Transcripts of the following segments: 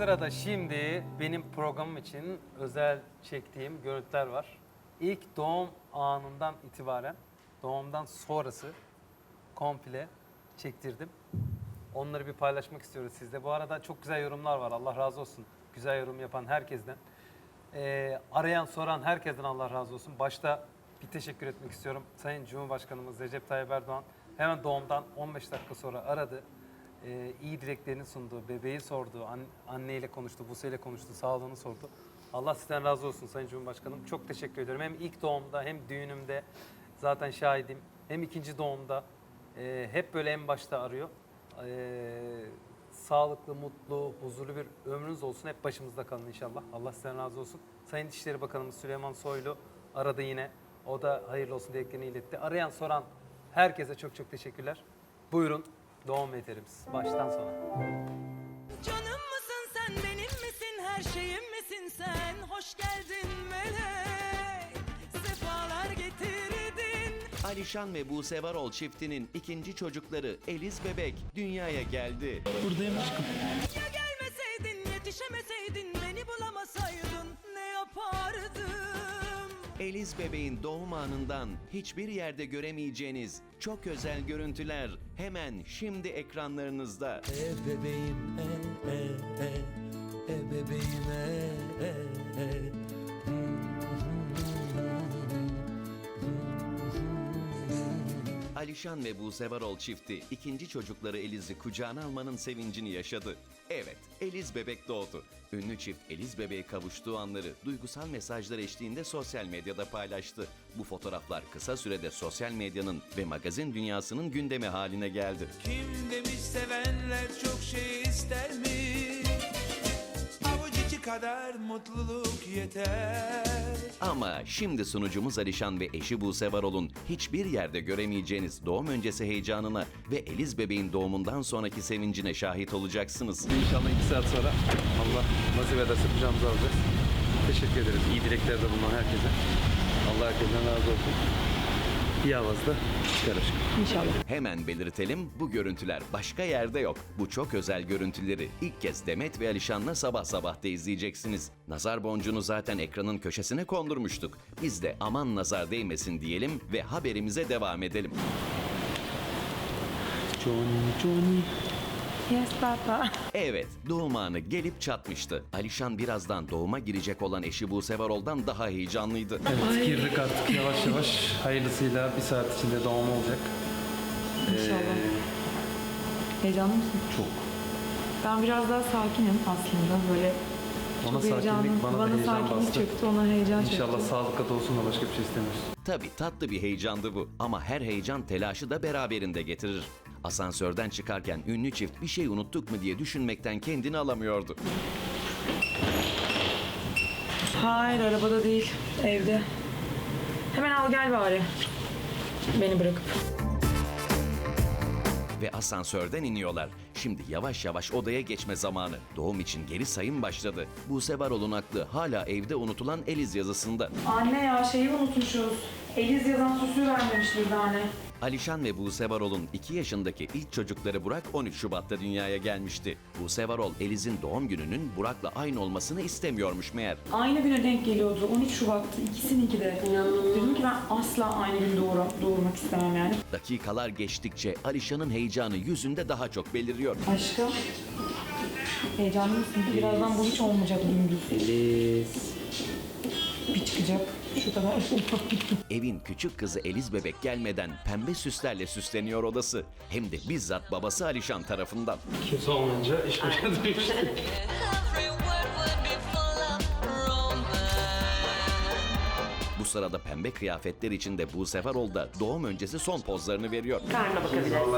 Sırada şimdi benim programım için özel çektiğim görüntüler var. İlk doğum anından itibaren, doğumdan sonrası komple çektirdim. Onları bir paylaşmak istiyoruz sizle. Bu arada çok güzel yorumlar var. Allah razı olsun. Güzel yorum yapan herkesten. Arayan, soran herkesten Allah razı olsun. Başta bir teşekkür etmek istiyorum. Sayın Cumhurbaşkanımız Recep Tayyip Erdoğan hemen doğumdan 15 dakika sonra aradı. İyi dileklerini sundu, bebeği sordu, anneyle konuştu, Buse ile konuştu, sağlığını sordu. Allah sizden razı olsun Sayın Cumhurbaşkanım. Çok teşekkür ediyorum. Hem ilk doğumda hem düğünümde zaten şahidim. Hem ikinci doğumda hep böyle en başta arıyor. Sağlıklı, mutlu, huzurlu bir ömrünüz olsun. Hep başımızda kalın inşallah. Allah sizden razı olsun. Sayın İçişleri Bakanımız Süleyman Soylu aradı yine. O da hayırlı olsun dileklerini iletti. Arayan, soran herkese çok çok teşekkürler. Buyurun doğum veterimiz baştan sona. Canım mısın sen, benim misin, her şeyim misin sen? Hoş geldin melek, sefalar getirdin. Alişan ve Buse Varol çiftinin ikinci çocukları Eliz bebek dünyaya geldi. Buradayım aşkım. Ya gelmeseydin, yetişemeseydin, beni bulamasaydın ne yapardım? Eliz bebeğin doğum anından hiçbir yerde göremeyeceğiniz çok özel görüntüler hemen şimdi ekranlarınızda. Bebeğim bebeğim Alişan ve Buse Varol çifti ikinci çocukları Eliz'i kucağına almanın sevincini yaşadı. Evet, Eliz bebek doğdu. Ünlü çift Eliz bebeğe kavuştuğu anları duygusal mesajlar eşliğinde sosyal medyada paylaştı. Bu fotoğraflar kısa sürede sosyal medyanın ve magazin dünyasının gündemi haline geldi. Kim demiş sevenler çok şey ister mi? Avuç içi kadar mutluluk yeter. Ama şimdi sunucumuz Alişan ve eşi Buse Varol'un hiçbir yerde göremeyeceğiniz doğum öncesi heyecanına ve Eliz bebeğin doğumundan sonraki sevincine şahit olacaksınız. İnşallah 2 saat sonra Allah nasip ederse kucağımıza alacağız. Teşekkür ederiz. İyi dileklerde bulunan herkese. Allah herkesten razı olsun. İyi avazda çıkar aşkım. Hemen belirtelim, bu görüntüler başka yerde yok. Bu çok özel görüntüleri ilk kez Demet ve Alişan'la sabah sabah da izleyeceksiniz. Nazar boncuğunu zaten ekranın köşesine kondurmuştuk. Biz de aman nazar değmesin diyelim ve haberimize devam edelim. Johnny. Yes, Papa. Evet, doğum anı gelip çatmıştı. Alişan birazdan doğuma girecek olan eşi Buse Varol'dan daha heyecanlıydı. Evet, girdik artık yavaş yavaş. Hayırlısıyla bir saat içinde doğum olacak. İnşallah. Heyecanlı mısın? Çok. Ben biraz daha sakinim aslında. Böyle Ona çok sakinlik, heyecanlı. bana da heyecan sakinlik bastı. çöktü, ona heyecan çöktü. İnşallah sağlıkla dolsun da başka bir şey istemiyoruz. Tabii tatlı bir heyecandı bu ama her heyecan telaşı da beraberinde getirir. Asansörden çıkarken ünlü çift bir şey unuttuk mu diye düşünmekten kendini alamıyordu. Hayır, arabada değil, evde. Hemen al gel bari. Beni bırakıp. Ve asansörden iniyorlar. Şimdi yavaş yavaş odaya geçme zamanı. Doğum için geri sayım başladı. Buse Varol'un aklı hala evde unutulan Eliz yazısında. Anne ya şeyi unutmuşuz. Eliz yazan süsü vermemiş bir tane. Alişan ve Buse Varol'un 2 yaşındaki ilk çocukları Burak 13 Şubat'ta dünyaya gelmişti. Buse Varol, Eliz'in doğum gününün Burak'la aynı olmasını istemiyormuş meğer. Aynı güne denk geliyordu. 13 Şubat'tı. İkisininki de. Dedim ki ben asla aynı gün doğurmak istemem yani. Dakikalar geçtikçe Alişan'ın heyecanı yüzünde daha çok beliriyor. Aşkım. Heyecanlı mısın? Birazdan bu hiç olmayacak dümdüz. Eliz. Bir çıkacak. Şu kadar. Evin küçük kızı Eliz bebek gelmeden pembe süslerle süsleniyor odası. Hem de bizzat babası Alişan tarafından. Kimse olmayınca iş başa düştü. Every word would be full of romance. Bu sırada pembe kıyafetler içinde Buse Varol da doğum öncesi son pozlarını veriyor. Karnına bakabilirsin. To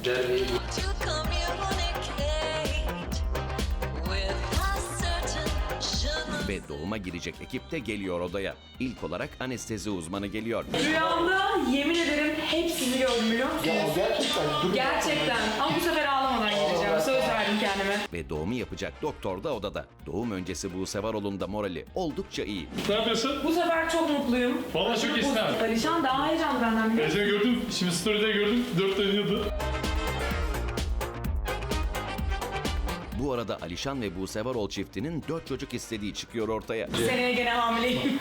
communicate with a certain je ne Ve doğuma girecek ekip de geliyor odaya. İlk olarak anestezi uzmanı geliyor. Rüyamda yemin ederim hepsini gördüm biliyor musunuz? Ya gerçekten. Gerçekten. Ama bu sefer ağlamadan geleceğim. Söz verdim kendime. Ve doğumu yapacak doktor da odada. Doğum öncesi Buse Varol'un da morali oldukça iyi. Ne yapıyorsun? Bu sefer çok mutluyum. Vallahi çok istemem. Alişan daha heyecanlı benden biliyor musun? Seni gördüm, şimdi story'de gördüm, 4 dönüyordu. Bu arada Alişan ve Buse Varol çiftinin 4 çocuk istediği çıkıyor ortaya. Seneye gene hamileyim.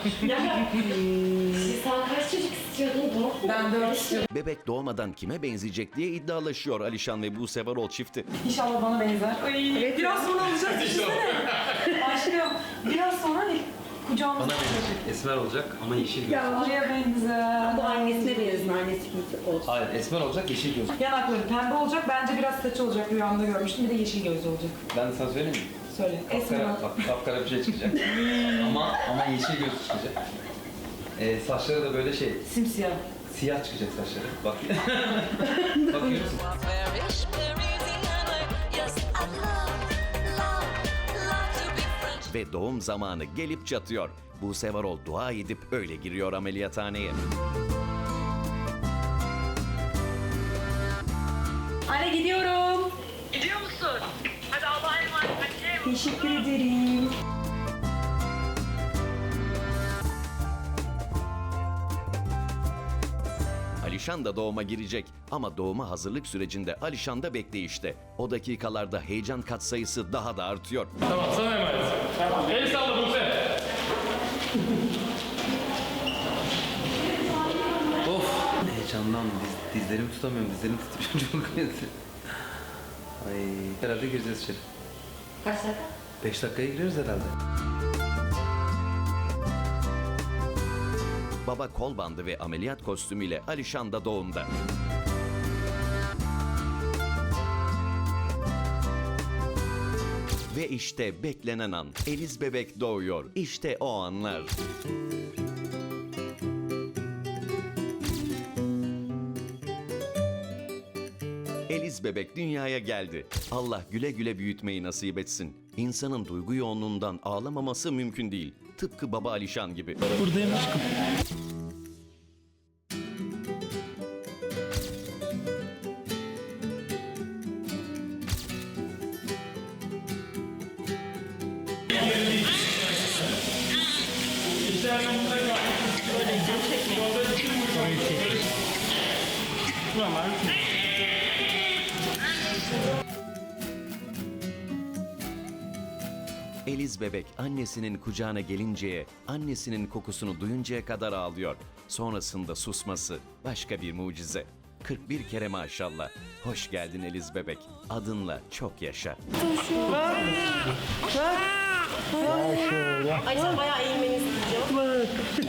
Sen kaç çocuk istiyordun? Ben 4 istiyorum. Bebek doğmadan kime benzeyecek diye iddialaşıyor Alişan ve Buse Varol çifti. İnşallah bana benzer. Ay, biraz sonra alacağız düşünsene. Aşkım biraz sonra hani kucağımıza alacak. Esmer olacak ama yeşil göz. Oraya benzer. Bu annesine benziyor. Annesi gibi olsun. Hayır, esmer olacak, yeşil göz. Yanakları pembe olacak. Bence biraz saçı olacak. Rüyamda görmüştüm. Bir de yeşil gözlü olacak. Ben de sana söyleyeyim mi? Söyle. Esmer ol. Kapkara bir şey çıkacak. ama yeşil göz çıkacak. Saçları da böyle Simsiyah. siyah çıkacak saçları. Bak. Bakıyor musun? Very, very easy and like, yes, I love to be French. Ve doğum zamanı gelip çatıyor. Buse Varol dua edip öyle giriyor ameliyathaneye. Anne gidiyorum. Gidiyor musun? Hadi Allah'a emanet. Hadi. Teşekkür ederim. Alişan da doğuma girecek ama doğuma hazırlık sürecinde Alişan da bekleyişte. O dakikalarda heyecan katsayısı daha da artıyor. Tamam sana emanet. Tamam. El salla Buse. Of! Heyecandan dizlerimi tutamıyorum. Dizlerimi tutup çok kötü. Ay, herhalde gireceğiz içeri. Kaç dakika? 5 dakikaya giriyoruz herhalde. Baba kol bandı ve ameliyat kostümüyle Alişan da doğumda. Ve işte beklenen an. Eliz bebek doğuyor. İşte o anlar. Eliz bebek dünyaya geldi. Allah güle güle büyütmeyi nasip etsin. İnsanın duygu yoğunluğundan ağlamaması mümkün değil. Tıpkı baba Alişan gibi. Buradayım aşkım. Eliz bebek annesinin kucağına gelinceye, annesinin kokusunu duyuncaya kadar ağlıyor. Sonrasında susması başka bir mucize. 41 kere maşallah. Hoş geldin Eliz bebek. Adınla çok yaşa. Ay sen bayağı eğilmeni isteyeceğim.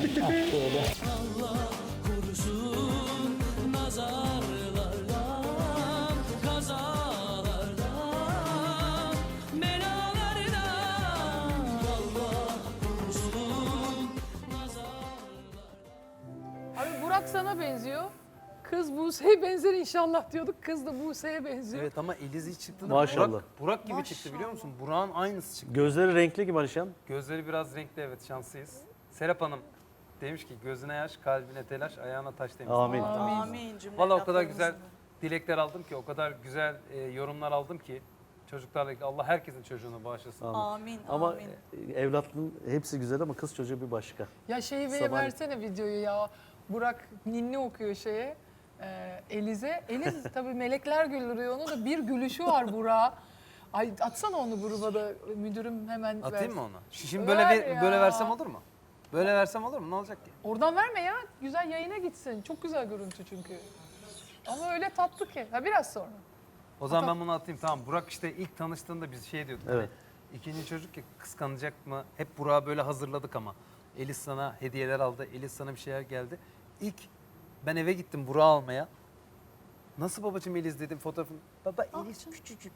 Abi Burak sana benziyor. Kız Buse'ye benzer inşallah diyorduk. Kız da Buse'ye benziyor. Evet ama Eliz hiç çıktı da Maşallah. Burak gibi çıktı biliyor musun? Burak'ın aynısı çıktı. Gözleri renkli gibi Alişan. Gözleri biraz renkli, evet, şanslıyız. Serap Hanım demiş ki gözüne yaş, kalbine telaş, ayağına taş demiş. Amin. Amin. Valla o kadar güzel dilekler aldım ki, o kadar güzel yorumlar aldım ki çocuklarla ilgili. Allah herkesin çocuğunu bağışlasın. Amin. Ama evlatlığın hepsi güzel ama kız çocuğu bir başka. Ya şeyi Sabah- versene videoyu ya. Burak ninni okuyor şeye. Eliz'e. Eliz tabii melekler güldürüyor onu da bir gülüşü var Burak'a. Ay atsana onu gruba da müdürüm hemen Atayım versin. mı onu? Şimdi Ver ya. böyle versem olur mu? Böyle versem olur mu? Ne olacak ki? Oradan verme ya. Güzel yayına gitsin. Çok güzel görüntü çünkü. Ama öyle tatlı ki. Ha biraz sonra. O zaman ben bunu atayım. Tamam. Burak işte ilk tanıştığında biz şey diyorduk. Evet. İkinci çocuk ya, kıskanacak mı? Hep Burak'ı böyle hazırladık ama. Eliz sana hediyeler aldı. Eliz sana bir şeyler geldi. İlk ben eve gittim Burak'ı almaya. Nasıl babacığım Eliz dedim fotoğrafını. Baba Eliz küçücük.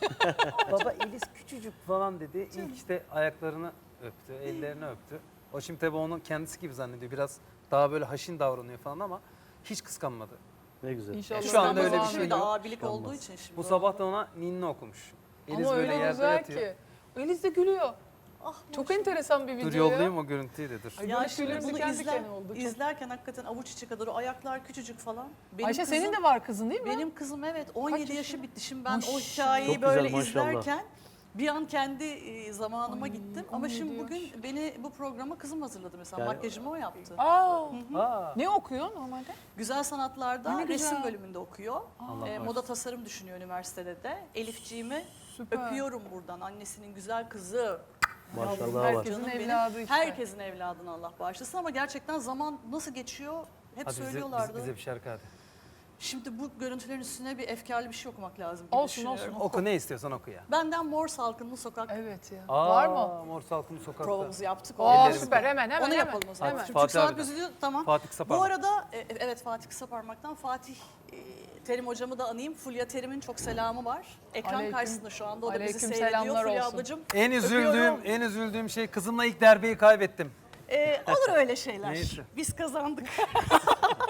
Baba Eliz küçücük falan dedi. İlk işte ayaklarını öptü, ellerini öptü. O şimdi tabii onu kendisi gibi zannediyor. Biraz daha böyle haşin davranıyor falan ama hiç kıskanmadı. Ne güzel. İnşallah. Şu anda öyle bir Kıskanmaz şey abi. yok. Abilik olduğu için şimdi. Bu sabah da ona ninni okumuş. Eliz Ama böyle öyle yerde güzel yatıyor. ki. Eliz de gülüyor. Ah, Çok enteresan bir video Dur ya. yollayayım o görüntüyü de dur. Ay, Ya böyle şimdi tüylerim bunu diken diken oldu. Çok- izlerken hakikaten avuç içi kadar o ayaklar küçücük falan. Benim Ayşe kızım, senin de var kızın değil mi? Benim kızım evet 17 yaşında? yaşı bitti. Şimdi ben o Maşallah. hikayeyi Çok güzel, böyle maşallah. izlerken bir an kendi zamanıma Ay, gittim. Ama 17 şimdi yaş. bugün beni bu programa kızım hazırladı mesela. Yani- Makyajımı o yaptı. Aa, Aa, ne okuyor normalde? Güzel sanatlarda Ay, ne güzel. resim bölümünde okuyor. Allah Moda tasarım düşünüyor üniversitede de. Elifciğimi Süper. Öpüyorum buradan annesinin güzel kızı. Maşallah var. Herkesin Canım benim. evladı işte. Herkesin evladını Allah bağışlasın ama gerçekten zaman nasıl geçiyor hep Hadi söylüyorlardı. bize bir şarkı hadi. Şimdi bu görüntülerin üstüne bir efkarlı bir şey okumak lazım gibi Olsun, düşünüyorum. olsun. Oku ne istiyorsan oku ya. Benden Mor Salkımlı Sokak Evet ya. Var mı? Mor Salkımlı Sokak'ta. provamızı yaptık. Oo Ellerimiz süper hemen hemen Onu hemen. yapalım o zaman. Hemen. Çünkü Fatih saat abiden. gözüküyor. Tamam. Fatih Bu Kısaparmak. arada evet Fatih Kısaparmak'tan Fatih Terim hocamı da anayım. Fulya Terim'in çok selamı var. Ekran Aleyküm- karşısında şu anda o da bizi aleyküm seyrediyor. selamlar Fulya olsun. ablacığım. En üzüldüğüm şey kızımla ilk derbiyi kaybettim. Olur öyle şeyler. Neyse. Biz kazandık.